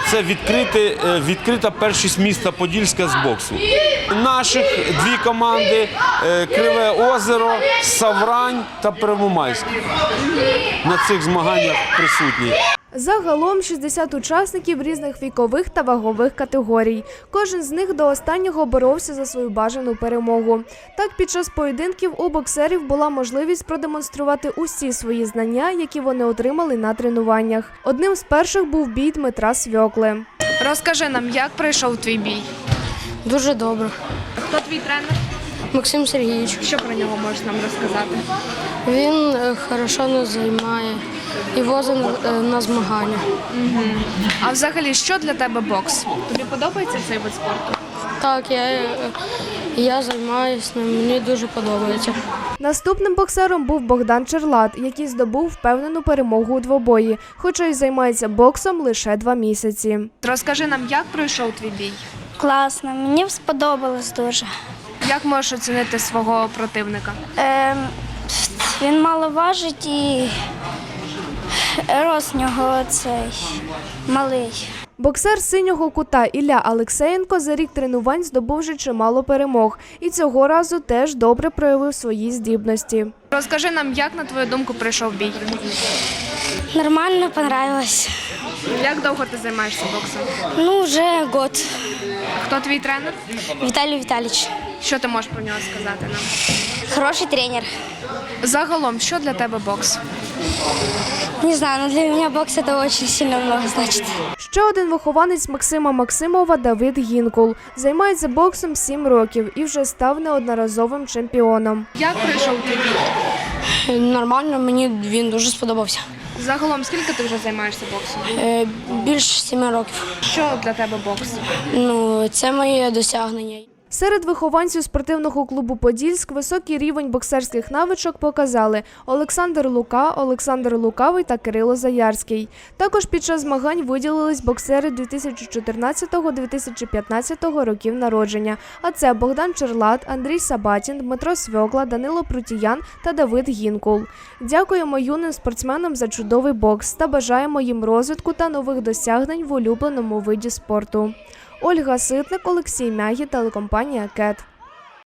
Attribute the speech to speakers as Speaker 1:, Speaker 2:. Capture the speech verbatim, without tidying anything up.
Speaker 1: це відкрити, відкрита першість міста Подільська з боксу. Наших дві команди – Криве Озеро, Саврань та Первомайськ на цих змаганнях присутні.
Speaker 2: Загалом шістдесят учасників різних вікових та вагових категорій. Кожен з них до останнього боровся за свою бажану перемогу. Так, під час поєдинків у боксерів була можливість продемонструвати усі свої знання, які вони отримали на тренуваннях. Одним з перших був бій Дмитра Свьокли. Розкажи нам, як пройшов твій бій?
Speaker 3: Дуже добре.
Speaker 2: Хто твій тренер?
Speaker 3: Максим Сергійович.
Speaker 2: Що про нього можеш нам розказати?
Speaker 3: Він е, хорошо нас займає і возить е, на змагання.
Speaker 2: Угу. А взагалі, що для тебе бокс? Тобі подобається цей вид спорту?
Speaker 3: Так, я, е, я займаюся ним, мені дуже подобається.
Speaker 2: Наступним боксером був Богдан Черлат, який здобув впевнену перемогу у двобої, хоча й займається боксом лише два місяці. Розкажи нам, як пройшов твій бій?
Speaker 4: Класно, мені сподобалось дуже.
Speaker 2: Як можеш оцінити свого противника?
Speaker 4: Е, він мало важить і рост нього цей малий.
Speaker 2: Боксер синього кута Ілля Алексєєнко за рік тренувань здобув вже чимало перемог. І цього разу теж добре проявив свої здібності. Розкажи нам, як, на твою думку, пройшов бій?
Speaker 4: Нормально, понравилось.
Speaker 2: Як довго ти займаєшся боксом?
Speaker 4: Ну, вже год.
Speaker 2: Хто твій тренер?
Speaker 4: Віталій Віталійович.
Speaker 2: Що ти можеш про нього сказати нам?
Speaker 4: Хороший тренер.
Speaker 2: Загалом, що для тебе бокс?
Speaker 4: Не знаю, но для меня бокс это очень сильно много значит.
Speaker 2: Ще один вихованець Максима Максимова – Давид Гінкул. Займається боксом сім років і вже став неодноразовим чемпіоном. Як пройшов твій бій?
Speaker 3: Нормально, мені він дуже сподобався.
Speaker 2: Загалом, скільки ти вже займаєшся боксом?
Speaker 3: Е, більше семи років.
Speaker 2: Що для тебе бокс?
Speaker 3: Ну, це моє досягнення.
Speaker 2: Серед вихованців спортивного клубу «Подільськ» високий рівень боксерських навичок показали Олександр Лука, Олександр Лукавий та Кирило Заярський. Також під час змагань виділились боксери дві тисячі чотирнадцятого - дві тисячі п'ятнадцятого років народження. А це Богдан Черлат, Андрій Сабатін, Дмитро Свьокла, Данило Прутіян та Давид Гінкул. Дякуємо юним спортсменам за чудовий бокс та бажаємо їм розвитку та нових досягнень в улюбленому виді спорту. Ольга Ситник, Олексій Мягі, телекомпанія «Кет».